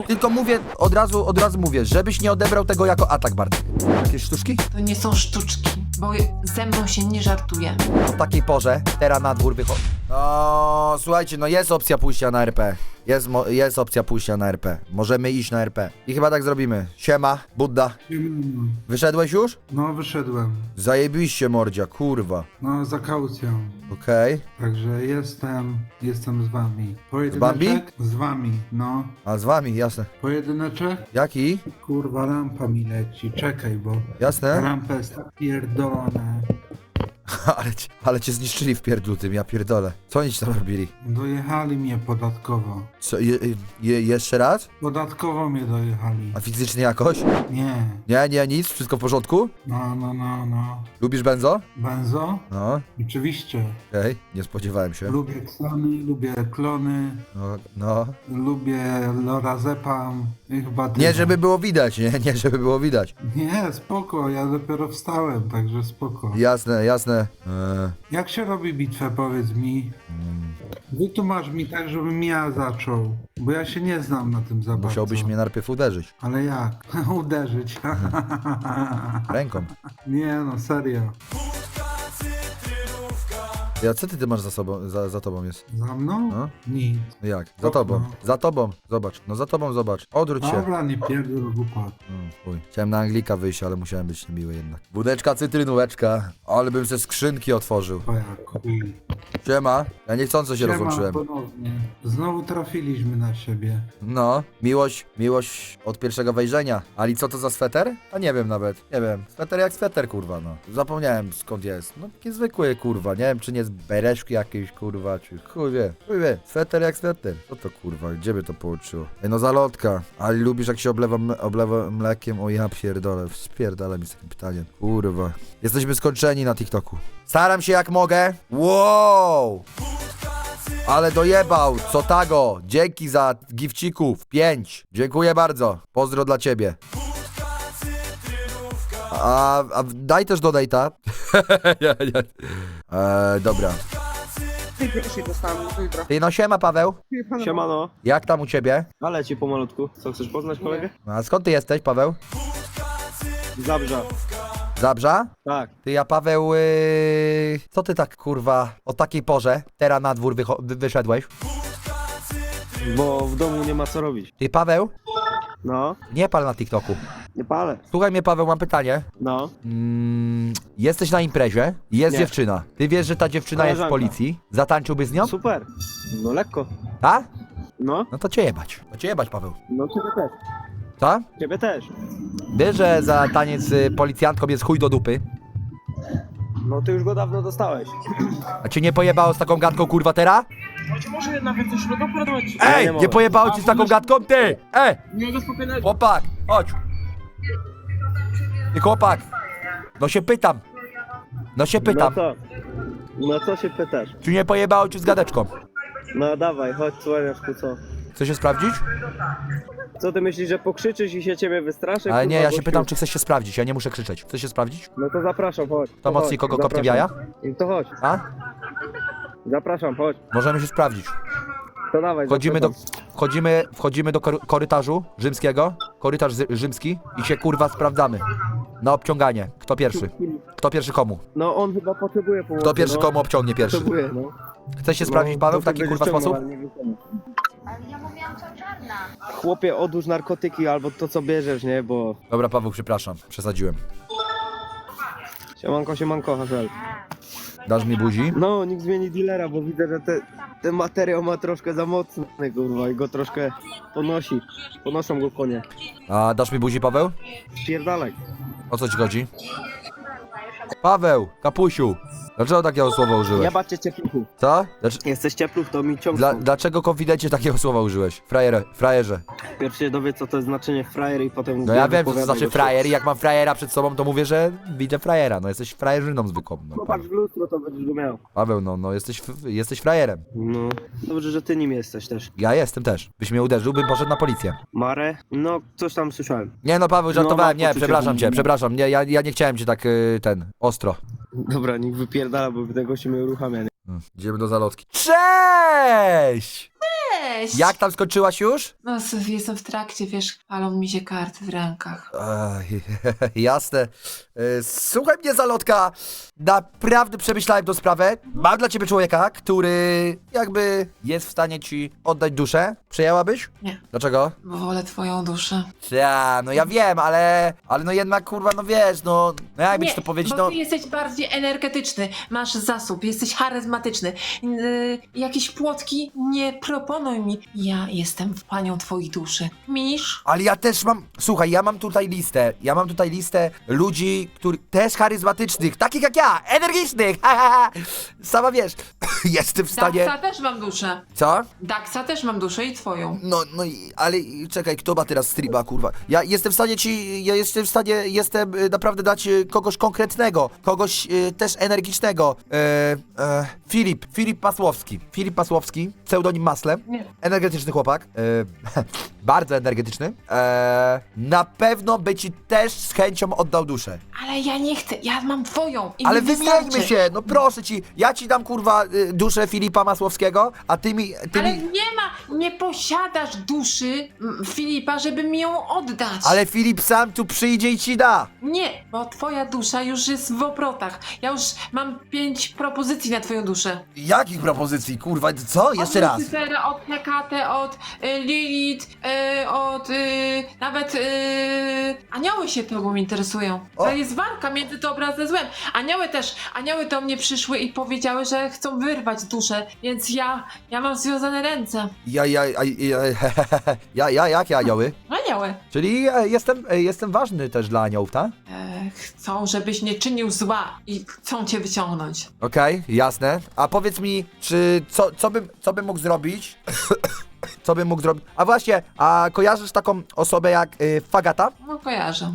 Tylko mówię, od razu mówię, żebyś nie odebrał tego jako atak, Bartek. Jakieś sztuczki? To nie są sztuczki, bo ze mną się nie żartuje. O takiej porze, teraz na dwór wychodzi. No, słuchajcie, no jest opcja pójścia na RP. Jest opcja pójścia na RP. Możemy iść na RP. I chyba tak zrobimy. Siema, Budda. Wyszedłeś już? No, wyszedłem. Zajebiście, mordzia, kurwa. No, za kaucją. Okej. Także jestem z wami. Bambi? Z wami, no. A z wami, jasne. Pojedyneczek? Jaki? Kurwa, lampa mi leci. Czekaj, bo Jasne? lampa jest tak pierdolona. ale cię zniszczyli w pierdlu tym, ja pierdolę. Co oni ci tam robili? Dojechali mnie podatkowo. Co, jeszcze raz? Podatkowo mnie dojechali. A fizycznie jakoś? Nie. Nie, nic, wszystko w porządku? No. Lubisz benzo? Benzo? No, Oczywiście. okej, nie spodziewałem się. Lubię ksany, lubię klony, No. lubię lorazepam i chyba tyle. Nie, żeby było widać, nie, żeby było widać. Nie, spoko, ja dopiero wstałem, także spoko. Jasne. Jak się robi bitwę, powiedz mi? Wytłumacz mi tak, żebym ja zaczął, bo ja się nie znam na tym za bardzo. Musiałbyś mnie najpierw uderzyć. Ale jak? Uderzyć. Ręką. Nie no, serio. Ja, co ty masz za sobą, za tobą jest? Za mną? No. Nic. Jak? Za tobą. Za tobą. Zobacz. No za tobą zobacz. Odwróć się. Dobra, nie pierdol głupot. Chuj. Chciałem na Anglika wyjść, ale musiałem być miły jednak. Budeczka, cytrynóweczka. Ale bym ze skrzynki otworzył. Twoja chuj. Siema. Ja niechcąco się Siema, rozłączyłem. ponownie. Znowu trafiliśmy na siebie. No, miłość od pierwszego wejrzenia. Ali, co to za sweter? A nie wiem nawet. Nie wiem. Sweter jak sweter, kurwa, no. Zapomniałem skąd jest. No, taki zwykły, kurwa. Nie wiem, czy nie z bereszki jakiejś, kurwa, czy chuj wie. Sweter jak sweter. Co to, kurwa? Gdzie by to połączyło? Ej, no zalotka. Ali, lubisz jak się oblewa mlekiem? O ja pierdolę. Spierdala mi z takim pytaniem. Kurwa. Jesteśmy skończeni na TikToku. Staram się jak mogę. Wow! Ale dojebał, co tago. Dzięki za gifcików. 5. Dziękuję bardzo. Pozdro dla ciebie. A daj też do dejta. nie. Dobra. Pierwszy dostałem jutro. Ty no siema, Paweł. Siemano, Jak tam u ciebie? ale ci pomalutku. Co, chcesz poznać kolegę? A skąd ty jesteś, Paweł? Zabrza. Zabrza? Tak. Ty, ja Paweł, co ty tak, kurwa, o takiej porze teraz na dwór wyszedłeś? Bo w domu nie ma co robić. Ty, Paweł, No, nie pal na TikToku. nie palę. Słuchaj mnie, Paweł, mam pytanie. No, Jesteś na imprezie, jest Nie. dziewczyna. Ty wiesz, że ta dziewczyna jest w Koleżanka. policji? Zatańczyłbyś z nią? super. No lekko. A? No, No to cię jebać. To cię jebać, Paweł. no ciebie też. Co? Ciebie też. Wiesz, że za taniec z policjantką jest chuj do dupy? No ty już go dawno dostałeś. A cię nie pojebało z taką gadką, kurwa, teraz? Może nawet coś doprowadzić. Ej, nie nie mogę. pojebało ci z taką gadką, ty! Nie go spokojnego. Chłopak, chodź. Ty, chłopak. No się pytam. No pytam. co? No co się pytasz? Czy nie pojebało ci z gadeczką? No dawaj, chodź słoniaczku, co? Chcesz się sprawdzić? Co ty myślisz, że pokrzyczysz i się ciebie wystraszę? Ale nie, kurwa, ja się gościu? pytam, czy chcesz się sprawdzić. Ja nie muszę krzyczeć. Chcesz się sprawdzić? No to zapraszam, chodź. To mocniej chodź, kogo kopnie w zapraszam. jaja? To chodź, A? zapraszam, chodź. Możemy się sprawdzić. To dawaj, Wchodzimy do korytarzu rzymskiego. Korytarz rzymski i się kurwa sprawdzamy. Na obciąganie. Kto pierwszy? Kto pierwszy komu? No on chyba potrzebuje pomocy. Kto pierwszy no. komu obciągnie pierwszy? Potrzebuje, no. Chcesz się sprawdzić, Paweł, w taki kurwa sposób? Ale ja mówiłam co czarna. Chłopie, odłóż narkotyki albo to co bierzesz, nie? Bo... Dobra, Paweł, przepraszam. Przesadziłem. Siemanko, Haszel. Dasz mi buzi? No, nikt zmieni dealera, bo widzę, że ten materiał ma troszkę za mocny, kurwa, i go troszkę ponosi. Ponoszą go konie. A dasz mi buzi, Paweł? Pierdalaj. O co ci chodzi? Paweł, kapusiu. Dlaczego takiego słowa użyłeś? Jebać cię ciepluchu. Co? Jesteś ciepluch, to mi ciągną. Dlaczego konfidencie takiego słowa użyłeś? Frajerze. Pierw się dowie, co to jest znaczenie frajer i potem... No ja wiem, co to wypowiadaj znaczy go. frajer i jak mam frajera przed sobą, to mówię, że widzę frajera. No jesteś frajerzyną zwykłą. No, Popatrz w lustro, to będziesz go miał. Paweł, no jesteś frajerem. No, dobrze, że ty nim jesteś też. Ja jestem też. Byś mnie uderzył, bym poszedł na policję. Mare? No, coś tam słyszałem. Nie no, Paweł, żartowałem. No, mam Nie, poczucie, przepraszam. Nie, ja nie chciałem cię tak, ostro. Dobra, niech wypierdala, bo tego się mnie uruchamia, nie? Idziemy do zalotki. Cześć! weź! Jak tam skończyłaś już? No, jestem w trakcie, wiesz, palą mi się karty w rękach. Ej, jasne. Słuchaj mnie, Zalotka. Naprawdę przemyślałem tą sprawę. Mam dla ciebie człowieka, który jakby jest w stanie ci oddać duszę. Przyjęłabyś? Nie. Dlaczego? Bo wolę twoją duszę. No ja wiem, ale no jednak kurwa, no wiesz, no jakby ci to powiedzieć, bo no. ty jesteś bardziej energetyczny, masz zasób, jesteś charyzmatyczny. Jakieś płotki nie proponuj mi. Ja jestem panią twojej duszy. Misz? Ale ja też mam, słuchaj, ja mam tutaj listę ludzi, też charyzmatycznych, takich jak ja, energicznych, sama wiesz, jestem w stanie... Daxa też mam duszę. Co? Daxa też mam duszę i twoją. Ale czekaj, kto ma teraz streama, kurwa? Ja jestem w stanie naprawdę dać kogoś konkretnego, kogoś też energicznego. Filip Pasłowski, pseudonim Masle, Nie. energetyczny chłopak, bardzo energetyczny. Na pewno by ci też z chęcią oddał duszę. Ale ja nie chcę, ja mam twoją i Ale mi wymieńmy wystarczy. się, no proszę ci, ja ci dam kurwa duszę Filipa Masłowskiego, a ty mi... Ale nie posiadasz duszy Filipa, żeby mi ją oddać. Ale Filip sam tu przyjdzie i ci da. Nie, bo twoja dusza już jest w obrotach. Ja już mam 5 propozycji na twoją duszę. Jakich propozycji, kurwa, co? Jeszcze od raz. Lucifera, od Hekate, od Lilith, nawet anioły się tobą interesują. O. To jest walka między dobrem ze złem. Anioły do mnie przyszły i powiedziały, że chcą wyrwać duszę, więc ja mam związane ręce. Jakie anioły? Anioły. Czyli jestem ważny też dla aniołów, tak? Chcą, żebyś nie czynił zła i chcą cię wyciągnąć. Okej, jasne. A powiedz mi, co bym mógł zrobić? Co bym mógł zrobić? A właśnie, a kojarzysz taką osobę jak Fagata? No kojarzę.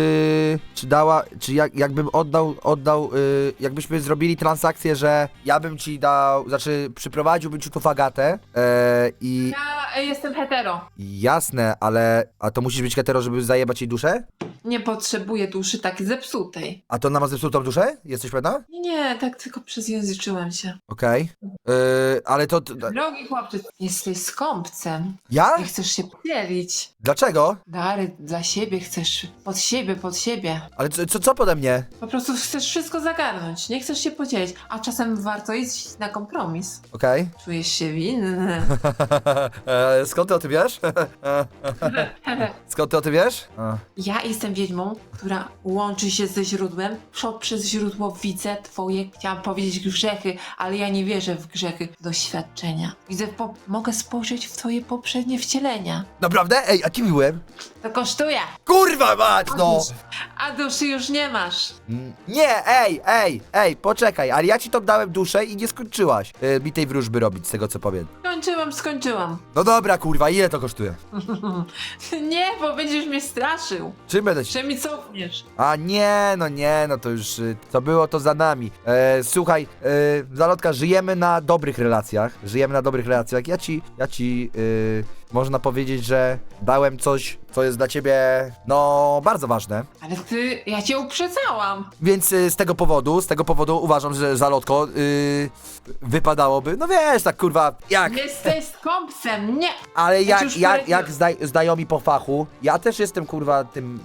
Jakbym oddał, jakbyśmy zrobili transakcję, że ja bym ci dał, znaczy przyprowadziłbym ci tu Fagatę i... Ja jestem hetero. Jasne, a to musisz być hetero, żeby zajebać jej duszę? Nie potrzebuję duszy tak zepsutej. A to ona ma zepsutą duszę? Jesteś pewna? Nie, tak tylko przezjęzyczyłem się. Okej. Ale to... Drogi chłopcze, jesteś skąpcem. Ja? Nie chcesz się podzielić. Dlaczego? Dary dla siebie chcesz. Pod siebie. Ale co pode mnie? Po prostu chcesz wszystko zagarnąć. Nie chcesz się podzielić. A czasem warto iść na kompromis. Okej. Czujesz się winny. Skąd ty o tym wiesz? Skąd ty o tym wiesz? Ja jestem wiedźmą, która łączy się ze źródłem. Przez źródło widzę twoje, chciałam powiedzieć grzechy, ale ja nie wierzę w grzechy, doświadczenia. Mogę spojrzeć w twoje poprzednie wcielenia. Naprawdę? Ej, a kim byłem? To kosztuje. Kurwa mać, no! A duszy już nie masz. Nie, ej, poczekaj, ale ja ci to dałem duszę i nie skończyłaś mi tej wróżby robić, z tego co powiem. Skończyłam. No dobra, kurwa, ile to kosztuje? Nie, bo będziesz mnie straszył. Czym będę ci... Że mi cofniesz. A nie, no to już, to było to za nami. Słuchaj, Zalotka, żyjemy na dobrych relacjach, ja ci, można powiedzieć, że dałem coś, co jest dla ciebie, no, bardzo ważne. Ale ja cię uprzedzałam. Więc z tego powodu uważam, że Zalotko, wypadałoby, no wiesz, tak kurwa, jak... Jesteś skąpcem, nie. Ale Ja ci już jak znajomi po fachu, ja też jestem kurwa tym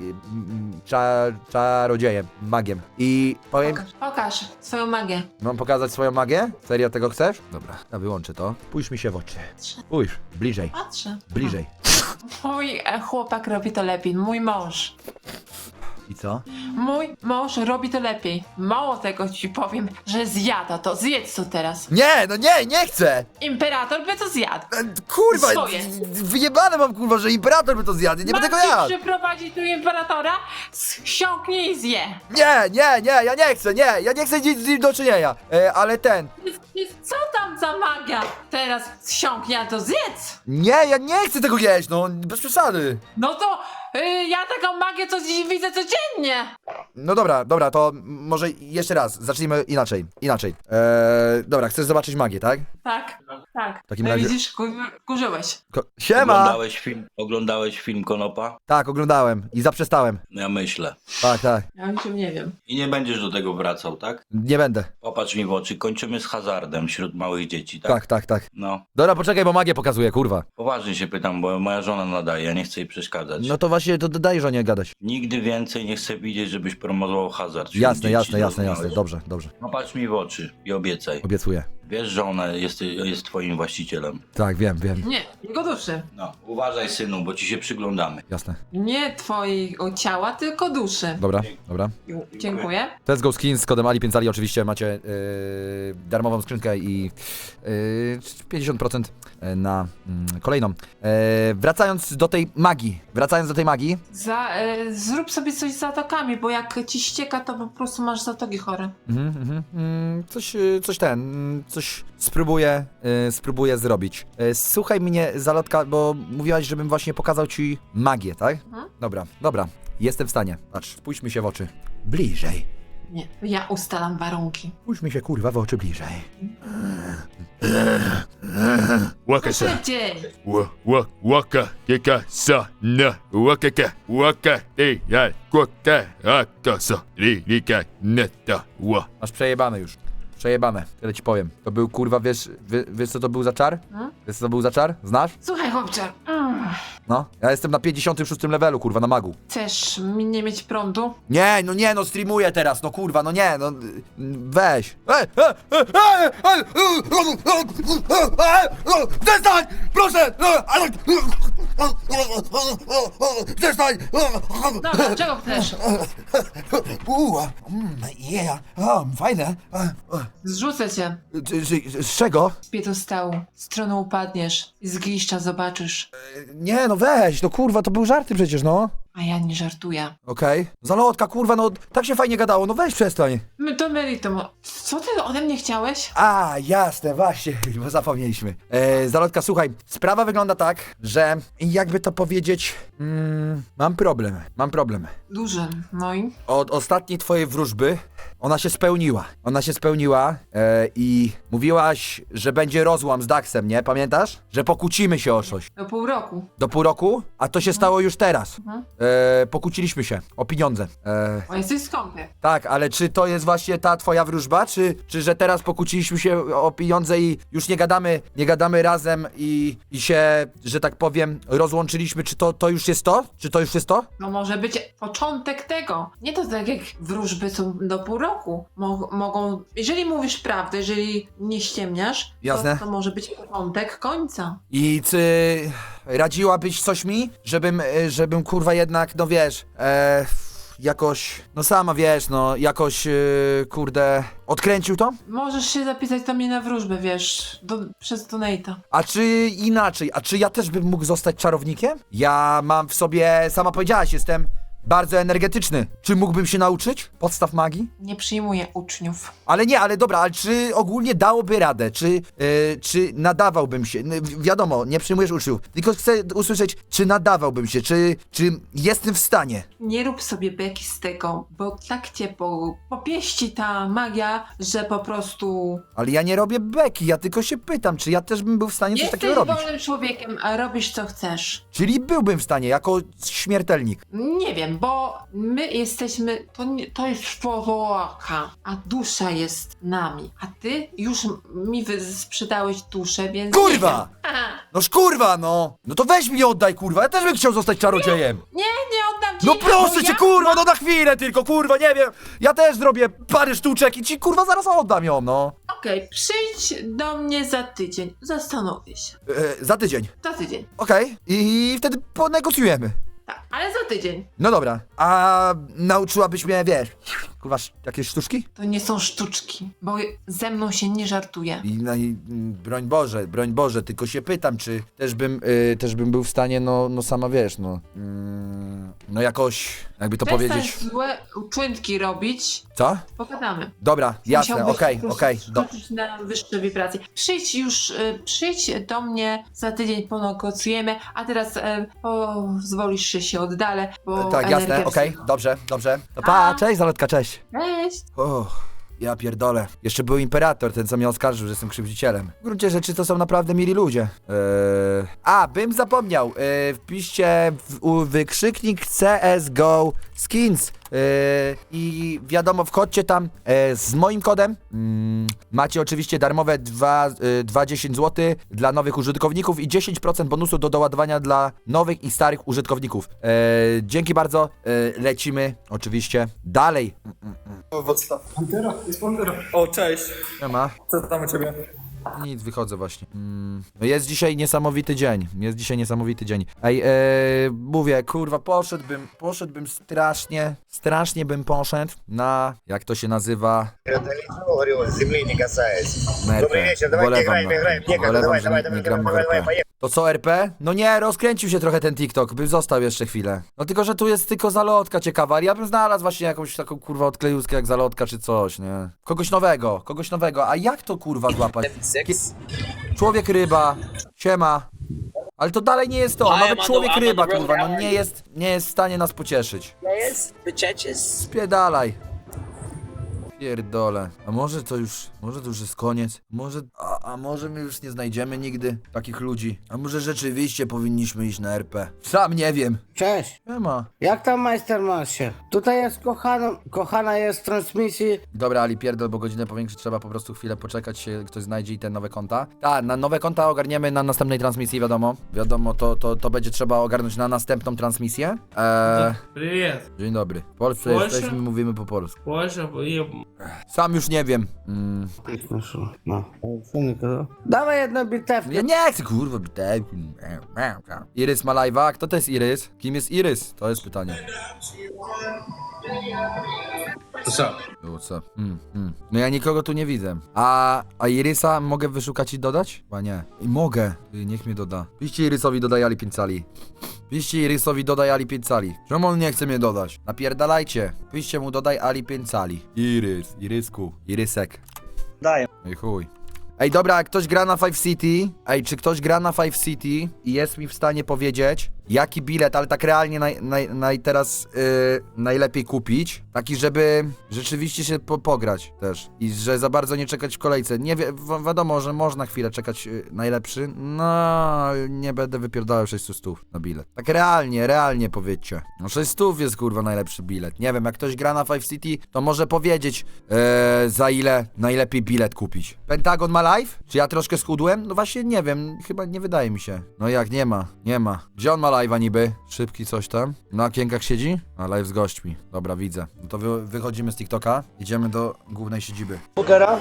czarodziejem, magiem. I powiem, Pokaż swoją magię. mam pokazać swoją magię? Serio tego chcesz? Dobra, ja wyłączę to. Spójrz mi się w oczy. Spójrz, bliżej, Patrzę. bliżej. Mój chłopak robi to lepiej, mój mąż. I co? Mój mąż robi to lepiej. Mało tego ci powiem, że zjada to. Zjedz to teraz. Nie, no nie chcę! Imperator by to zjadł. Kurwa, Swoje. wyjebane mam kurwa, że imperator by to zjadł, nie będę go jadł! przyprowadzić tu imperatora, siąknie i zje. Nie, ja nie chcę nic z nim do czynienia, ale Co tam za magia? Teraz siąknie, a to zjedz. nie, ja nie chcę tego jeść, no, bez przesady. No to Ja taką magię co dziś widzę codziennie. No dobra, to może jeszcze raz, zacznijmy inaczej. Dobra, chcesz zobaczyć magię, tak? Tak. W takim razie... Widzisz, kurzyłeś. Siema! Oglądałeś film Konopa? Tak, oglądałem i zaprzestałem. No ja myślę. Tak. Ja o niczym nie wiem. I nie będziesz do tego wracał, tak? Nie będę. Popatrz mi w oczy, kończymy z hazardem wśród małych dzieci, tak? Tak. No, Dobra, poczekaj, bo magię pokazuję, kurwa. poważnie się pytam, bo moja żona nadaje, ja nie chcę jej przeszkadzać. No to właśnie, to daj żonie gadać. Nigdy więcej nie chcę widzieć, żebyś promował hazard wśród Jasne, dzieci, jasne. zrozumiałeś? Dobrze. Popatrz mi w oczy i obiecaj. Obiecuję. Wiesz, że ona jest twoim właścicielem. Tak, wiem. Nie, jego duszy. No, uważaj synu, bo ci się przyglądamy. Jasne. Nie twojego ciała, tylko duszy. Dobra. Dziękuję. Let's Go Skins z kodem Ali5Ali oczywiście macie darmową skrzynkę i 50% na kolejną. Wracając do tej magii. Zrób sobie coś z zatokami, bo jak ci ścieka, to po prostu masz zatoki chore. Coś spróbuję zrobić. Słuchaj mnie, Zalotka, bo mówiłaś, żebym właśnie pokazał ci magię, tak? Dobra, jestem w stanie. Patrz, spójrzmy się w oczy. Bliżej. Nie, ja ustalam warunki. Spójrzmy się, kurwa, w oczy bliżej. Waka sa, Szybciej! waka, keka sa, na, waka, ja, kwaka, aka sa, rika, neta, Masz przejebane już. Tyle ci powiem. To był, kurwa, wiesz co to był za czar? Wiesz co to był za czar? Znasz? Słuchaj, chłopcze, No. Ja jestem na 56 levelu, kurwa, na magu. chcesz mi nie mieć prądu? Nie, streamuję teraz, no kurwa, no nie, no weź. Przestań, proszę! Przestań! Dobra, czego chcesz? Fajne. Zrzucę cię Z czego? z piedestału. Stroną upadniesz i z gliszcza zobaczysz. Nie, no weź, no kurwa, to były żarty przecież, no. A ja nie żartuję. Okej. Zalotka, kurwa, no tak się fajnie gadało, no weź przestań. My to meritum. Co ty ode mnie chciałeś? A, jasne, właśnie, bo zapomnieliśmy. Zalotka, słuchaj, sprawa wygląda tak, że jakby to powiedzieć, mam problem. Duży. No i? Od ostatniej twojej wróżby ona się spełniła i mówiłaś, że będzie rozłam z Daxem, nie? Pamiętasz? Że pokłócimy się o coś. Do pół roku. Do pół roku? A to się stało już teraz. Pokłóciliśmy się o pieniądze. O, jesteś skąpy. Tak, ale czy to jest właśnie ta twoja wróżba, czy że teraz pokłóciliśmy się o pieniądze i już nie gadamy razem i się, że tak powiem, rozłączyliśmy, czy to już jest to? Czy to już jest to? No może być początek tego. Nie to tak jak wróżby są do pół roku. Mogą, jeżeli mówisz prawdę, jeżeli nie ściemniasz, Jasne. to może być początek końca. I czy radziłabyś coś mi, żebym kurwa jednak, no wiesz, jakoś, no sama wiesz, no jakoś, kurde, odkręcił to? Możesz się zapisać do mnie na wróżbę, wiesz, przez donate'a. A czy inaczej, a czy ja też bym mógł zostać czarownikiem? Ja mam w sobie, sama powiedziałaś, jestem bardzo energetyczny. Czy mógłbym się nauczyć podstaw magii? Nie przyjmuję uczniów. Ale dobra, ale czy ogólnie dałoby radę? Czy nadawałbym się? Wiadomo, nie przyjmujesz uczniów, tylko chcę usłyszeć, czy nadawałbym się, czy jestem w stanie. Nie rób sobie beki z tego, bo tak cię popieści ta magia, że po prostu... Ale ja nie robię beki, ja tylko się pytam, czy ja też bym był w stanie coś Jesteś takiego robić. wolnym człowiekiem, a robisz co chcesz. Czyli byłbym w stanie, jako śmiertelnik. Nie wiem, bo my jesteśmy, to jest człowieka, a dusza jest nami. A ty już mi sprzedałeś duszę, więc... Kurwa! Nie wiem. Aha. Noż kurwa, no! No to weź mi oddaj, kurwa, ja też bym chciał zostać czarodziejem. Nie oddam ci... No proszę bo cię, ja kurwa, no na chwilę tylko, kurwa, nie wiem. Ja też zrobię parę sztuczek i ci, kurwa, zaraz oddam ją, no. Okej, przyjdź do mnie za tydzień, zastanowię się. Za tydzień. Za tydzień, Okej. I wtedy ponegocjujemy. tak, ale za tydzień. No dobra. A nauczyłabyś mnie, wiesz, kurwa, jakieś sztuczki? To nie są sztuczki, bo ze mną się nie żartuje. I broń Boże, tylko się pytam, czy też bym był w stanie, no sama wiesz, no. no jakoś, jakby to Przestań powiedzieć. złe uczynki robić, Co? pogadamy. Dobra, jasne, Musiałbyś okej, po prostu okej. skoczyć na wyższe wibracje. Przyjdź już, przyjdź do mnie za tydzień, ponegocjujemy, a teraz pozwolisz, że się oddalę, bo Tak, jasne, energia okej, dobrze, dobrze. To pa, A. cześć Zalotka, cześć. Cześć! Ja pierdolę. Jeszcze był imperator, ten co mnie oskarżył, że jestem krzywdzicielem. W gruncie rzeczy to są naprawdę mili ludzie. Bym zapomniał. Wpiszcie wykrzyknik CSGO Skins. I wiadomo, wchodźcie tam z moim kodem. Macie oczywiście darmowe 2,10 zł dla nowych użytkowników i 10% bonusu do doładowania dla nowych i starych użytkowników. Dzięki bardzo. Lecimy oczywiście dalej. O, cześć. Nie ma. Co tam u ciebie? Nic, wychodzę właśnie. No jest dzisiaj niesamowity dzień. Ej, mówię, kurwa, poszedłbym strasznie bym poszedł na, jak to się nazywa? Wolewam, że nie gramy w RP. To co, RP? No nie, rozkręcił się trochę ten TikTok, bym został jeszcze chwilę. No tylko, że tu jest tylko Zalotka ciekawa, ale ja bym znalazł właśnie jakąś taką kurwa odklejuskę jak Zalotka czy coś, nie? Kogoś nowego, a jak to kurwa złapać? Człowiek ryba, siema. Ale to dalej nie jest to, nawet człowiek ryba kurwa, no nie jest w stanie nas pocieszyć. Spiedalaj. Pierdolę. A może to już jest koniec? Może my już nie znajdziemy nigdy takich ludzi? A może rzeczywiście powinniśmy iść na RP? Sam nie wiem. Cześć, Nie ma. jak tam Majstermasie? Tutaj jest kochana jest w transmisji. Dobra, Ali, pierdol, bo godzinę powiększyć trzeba po prostu chwilę poczekać, się ktoś znajdzie i te nowe konta. Tak, na nowe konta ogarniemy na następnej transmisji, wiadomo. Wiadomo, to będzie trzeba ogarnąć na następną transmisję. Привет. Dzień dobry. W Polsce Polsce? jesteśmy, mówimy po polsku. Польша и... Sam już nie wiem. No. Dawaj jedno bitewkę. Ja nie chcę, kurwa, bitewki. Irys ma live'a? Kto to jest Irys? Kim jest Irys? To jest pytanie. Co? Co? No ja nikogo tu nie widzę. A Irysa mogę wyszukać i dodać? Chyba nie. Mogę. Niech mnie doda. Piszcie Irysowi dodaj Ali 5 cali. Piszcie Irysowi dodaj Ali 5 cali. Czemu on nie chce mnie dodać? Napierdalajcie. Piszcie mu dodaj Ali 5 cali. Irys, Irysku, Irysek. Daję. Ej chuj. Ej dobra, jak ktoś gra na Five City, czy ktoś gra na Five City i jest mi w stanie powiedzieć, jaki bilet, ale tak realnie teraz najlepiej kupić, taki, żeby rzeczywiście się pograć też i że za bardzo nie czekać w kolejce. Nie wiadomo, że można chwilę czekać najlepszy, no nie będę wypierdalał 600 na bilet. Tak realnie powiedzcie. No 600 jest kurwa najlepszy bilet. Nie wiem, jak ktoś gra na Five City, to może powiedzieć za ile najlepiej bilet kupić. Pentagon ma live? Czy ja troszkę schudłem? No właśnie nie wiem, chyba nie wydaje mi się. No jak, nie ma. Gdzie on ma live'a niby? Szybki coś tam. Na okienkach siedzi? A live z gośćmi. Dobra, widzę. No to wychodzimy z TikToka, idziemy do głównej siedziby. Pokera?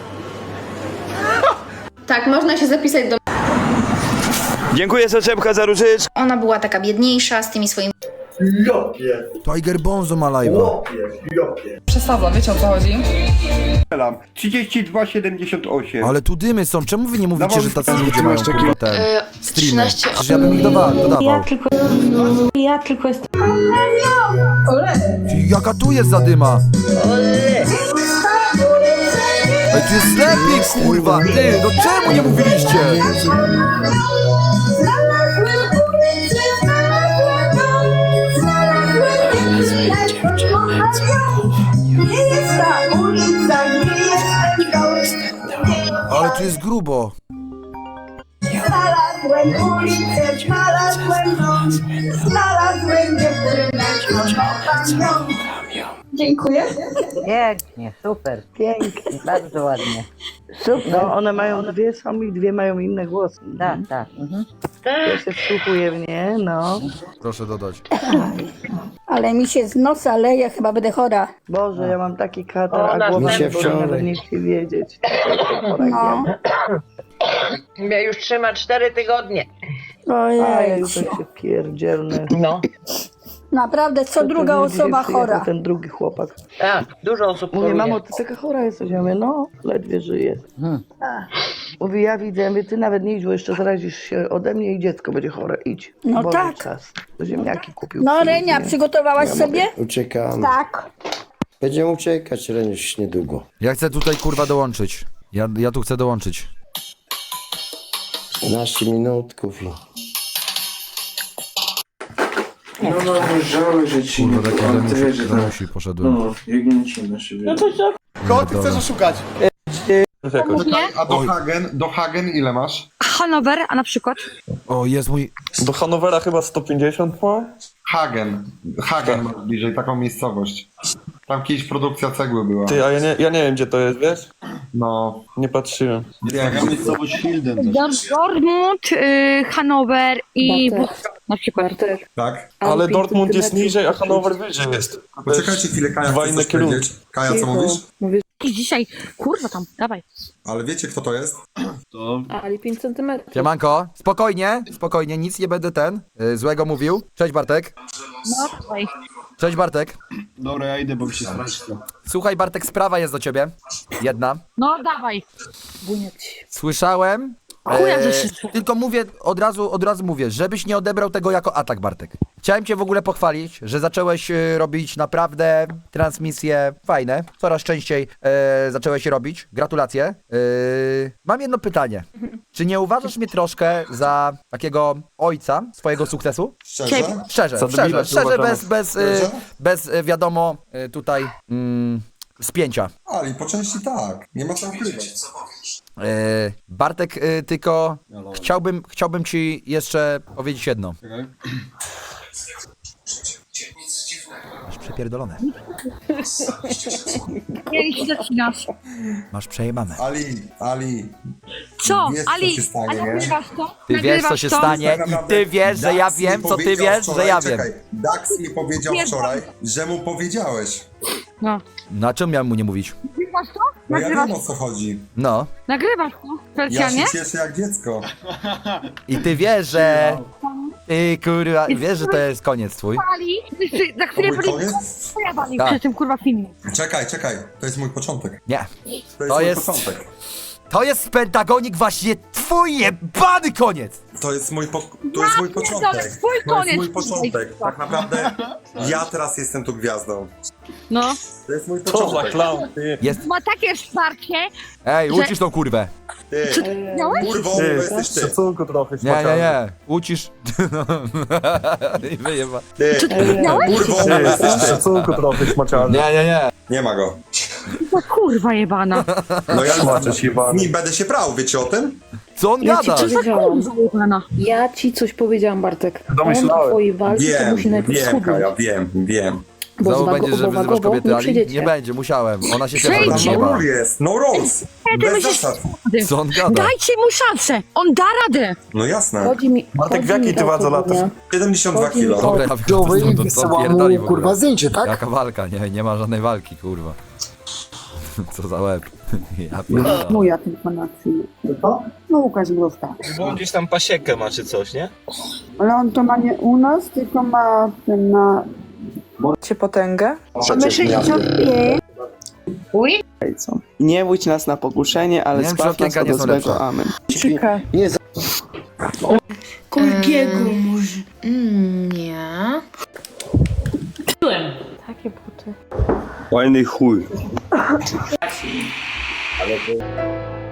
Tak, można się zapisać do... Dziękuję Soczepka za różyczkę. Ona była taka biedniejsza z tymi swoimi... Tiger Bonzo ma live'a. Przesada, wiecie o co chodzi? 32,78. Ale tu dymy są. Czemu wy nie mówicie, że tacy ludzie mają kurwa ten streamy? 13. Przecież ja bym ich dodawał. Ja tylko jestem... Jaka tu jest zadyma? Ej, tu jest lepiej, kurwa! Ty, no czemu nie mówiliście? Ale tu jest grubo. Znalazłem ulicę, znalazłem dom, znalazłem dziewczynę, kocham ją. Dziękuję. Pięknie, super, pięknie, bardzo ładnie. Super. No one mają dwie są i dwie mają inne głosy. Tak. Ja się wsłuchuję w nie, no. Proszę dodać. Ale mi się z nosa leje, chyba będę chora. Boże, ja mam taki katar, a głowa mi boli, nawet nie chcę wiedzieć. No. Mnie już trzyma 4 tygodnie. A ja Ojej. już tak się pierdzielnę. No. Naprawdę, co druga osoba chora. Ten drugi chłopak. Tak, dużo osób Mówię, mamo, ty taka chora jesteś. Ja mówię, no, ledwie żyję. Mówi, ja widzę, mówię, ty nawet nie idź, bo jeszcze zarazisz się ode mnie i dziecko będzie chore. Idź. No Bo tak. Czas. Ziemniaki kupił. No przynieś, Renia, nie? przygotowałaś sobie? Uciekamy. Tak. Będziemy uciekać, Reniusz, niedługo. Ja chcę tutaj kurwa dołączyć. Ja tu chcę dołączyć. 15 minutków i... No żałuję, że ci Kurwa, taki Remusi poszedłem. biegnięcie na siebie. Kogo ty chcesz oszukać? A do Hagen ile masz? Hanower, a na przykład? O, jest mój... Do Hanowera chyba 150 ma? Hagen masz bliżej, taką miejscowość. Tam kiedyś produkcja cegły była. Ty, a ja nie wiem gdzie to jest, wiesz? No, Nie patrzyłem. miejscowość Hilden. Dortmund, Hanower i na przykład. tak? Ale Dortmund jest niżej, a Hanower wyżej jest. Poczekajcie chwilę, Kaja, Dwa chcesz inne coś kierunki. powiedzieć? Kaja, co mówisz? Dzisiaj, kurwa tam, dawaj. Ale wiecie, kto to jest? Ali 5 cm. Siemanko, spokojnie, nic nie będę złego mówił. Cześć Bartek. No, dawaj. Cześć Bartek. Dobra, ja idę, bo mi się straci. Słuchaj Bartek, sprawa jest do ciebie. Jedna. No, dawaj. Słyszałem. Chuja, że się... Tylko mówię, od razu mówię, żebyś nie odebrał tego jako atak, Bartek. Chciałem cię w ogóle pochwalić, że zacząłeś robić naprawdę transmisje fajne. Coraz częściej zacząłeś je robić. Gratulacje. Mam jedno pytanie. Czy nie uważasz mnie troszkę za takiego ojca swojego sukcesu? Szczerze? Szczerze, bez wiadomo tutaj spięcia. Ali, po części tak. Nie ma co ukrywać. Bartek, tylko chciałbym ci jeszcze powiedzieć jedno. Masz przepierdolone. Nie, się zacinasz. Masz przejebane. Ali. Co? Wiesz, co Ali, się stanie, a nie? nagrywasz to? Ty wiesz, co się stanie Tak naprawdę i ty wiesz, że ja Dax wiem, mi co ty powiedział wiesz, że ja wiem. Czekaj, Dax mi powiedział wczoraj, że mu powiedziałeś. No. Na czym miałem mu nie mówić? Nagrywasz to? No ja Nagrywasz, wiem, o co chodzi. No. nagrywasz to? Ja Specjalnie? się cieszę jak dziecko. I ty wiesz, że... Ty kurwa, wiesz, że to jest koniec twój? Ali, za To chwilę mój koniec? pojawali Tak. przy tym kurwa filmie. Czekaj, to jest mój początek. Nie. To To mój jest- początek. To jest Pentagonik właśnie twój jebany koniec! To jest mój początek. pierdolę, twój To jest koniec. mój początek. Tak naprawdę ja teraz jestem tu gwiazdą. No. To jest mój Co za początek. clown, ty. Jest... Ma takie wsparcie. Ej, Że- ucisz tą kurwę. Ty, Miałeś? kurwo, to jesteś ty. Szacunku trochę, Nie. Ucisz. I wyjeba. Ty, kurwo, to jesteś ty. Szacunku trochę, smaczalny. Nie. Nie ma go. To kurwa jebana. No ja Smaczesz jebany. nie będę się prał, wiecie o tym? Co on gada? Co za kurwa jebana. Ja ci coś powiedziałam, Bartek. Domyślałem. On na twojej walce to musi najpierw Wiem, schudnąć. Kaja, wiem. Bo Znowu będzie, że wyzywasz wagowo kobiety, nie Ali? przyjdziecie. Nie będzie, musiałem. Ona się Przejdźcie. pierwsza No zjebała. rule jest, no rules. Bez zasad. Co on gada? Dajcie mu szansę. On da radę. No jasne. Chodzi mi, Bartek, w chodzi mi jakiej ty o wadze to, latasz? Dunia. 72 Chodzi mi kilo. o- Dobra, ja wychodzę stąd, co pierdoli w ogóle. zdjęcie, Jaka walka? Nie ma żadnej walki, kurwa. Co za łeb. Ja pierdolę. Moja tylko na chwilę. No Łukasz Grówka. Bo gdzieś tam pasiekę ma czy coś, nie? Ale on to ma nie u nas, tylko ma ten na... Cię potęgę? Przecież nie. Nie łudź nas na pokuszenie, ale Nie wiem, czy zbaw nas okienka nie od są złego. lepsze. Amen. Czeka. Nie za... Kolgiego może. Nie. Takie buty. Fajny chuj.